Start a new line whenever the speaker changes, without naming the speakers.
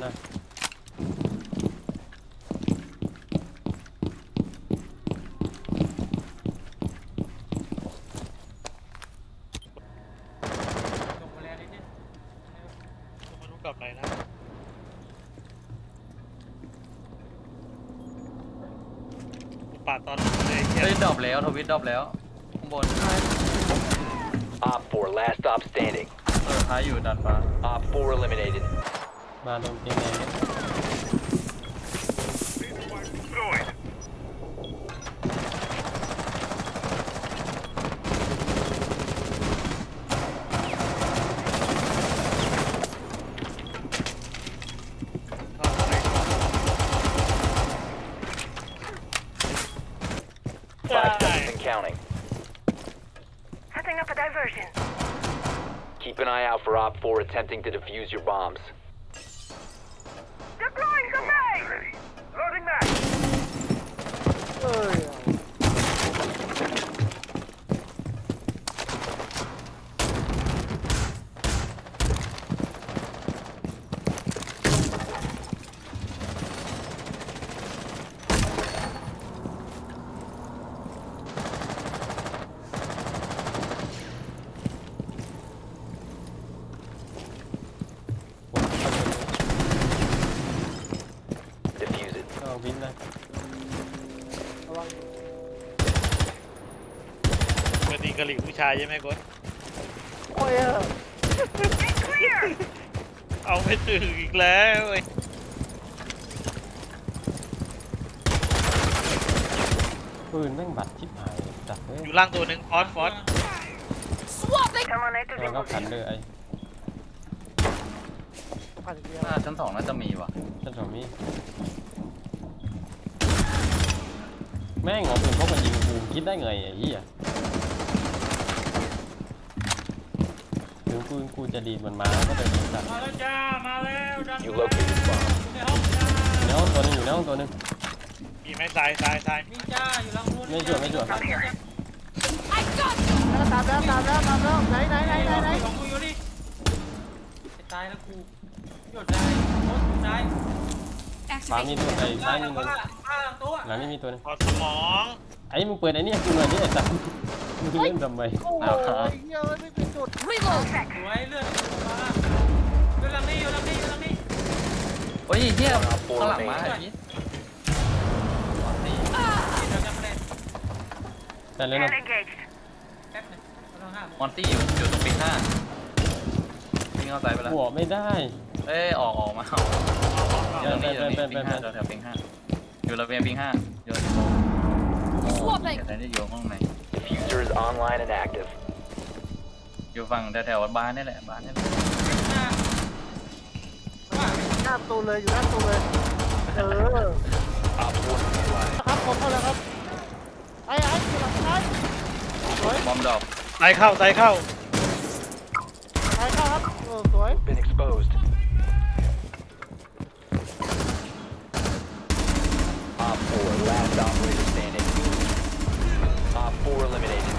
นะ
ลงมาแล้วนิดนึง
ไม่รู้กลับไหนนะปาดตอนเลยเฮีย
เฮ้ยดรอปแล้วทวิตดรอปแล้วข้างบน
Op 4, last stop standing.
ท้ายอยู่ดัดฟ้า
Op 4 eliminated.
มาลงเกมไหนเนี่ย
5 seconds and counting.
Setting up a diversion.
Keep an eye out for Op 4 attempting to defuse your bombs.
Deploying grenade! Loading back!
เอ้ย
Defuse it.
ก็วินนะ
ระวัง
ปกติกะหรี่ผู้ชายใช่ไหมกด
โอ้ย
Clear!
เอาไม่ถึงอีกแล้วเว้ย
ปืนแม่งบัดชิบหายจัดเลย
อยู่ล่างตัวหนึ่งฟอส
Terminator
แล้วก็ขัน
deposition.
เลยไอ้
ผ่านเดียว
หน้าชั้น 2น่าจะมีว่ะ
ฉันสามีแม่งเอาปืนพกมายิงกูคิดได้ไงไอ้เหี้ยถึงกูจะดีดมันมาก็เป็นสัตว์
มาแล้วจ้ามาแล้วดัน
You located bomb.
ในห้องจ้า
อยู่ในห้องตัวหนึงอยู่ในห้องตัวหนึง
มีไหมตาย
นี่จ้าอยู่หลังนู้น
ไม่ชัวร์ไม่ชัวร์
แล้วตามแล้วไหน
ของกูอยู่นี่จะตายแล้วกูหยดได้โอ้ยตาย
ฟ้ามีตัวไอ้ซ้ายมีตัว
ป้าหลังตัว
หลังนี่มีตัวหนึง
พอสมอง
ไอ้มึงเปิดไอ้นี่ให้กูหน่อยดิไอ้สัตว์มึงเล่นทำไม
โอ้ยเหี้ยไม่เป็นจุด
สวยเลือดมาอยู่หลังนี้อยู่หลังนี้อยู่หลังนี้
เฮ้ยเฮียข้างหลังมาไอ้พีท
เดี๋ยวจะมาเล่น
แต่เลยนะ
Scan engaged.
แป๊บนึงเราห้าม
มอนตี้อยู่ตรงปีห้าวิ่งเข้าซ้ายไปแล้ว
หัวไม่ได้
เอ้ยออกมาอยู่ตรงนี้อยู่ตรงนี้ปิงห้าแถวปิงห้าอยู่ระเบียงปิงห้าอยู่แต่นี่อยู่ห้องไหน
Diffuser is online and active.
อยู่ฝั่งแถวบ้านนี่แหละบ้านนี่แหละ
หน้าว่า
หน้าประตูเลยอยู่หน้าประตูเลยเออ
Op 4 neutralized.
ครับผมเข้าแล้วครับไอ้อยู่หลังซ้ายสวย
บอมดอก
ตายเข้า
ซ้ายเข้าครับสวย
Been exposed. Op 4, last operator standing. Op 4 eliminated.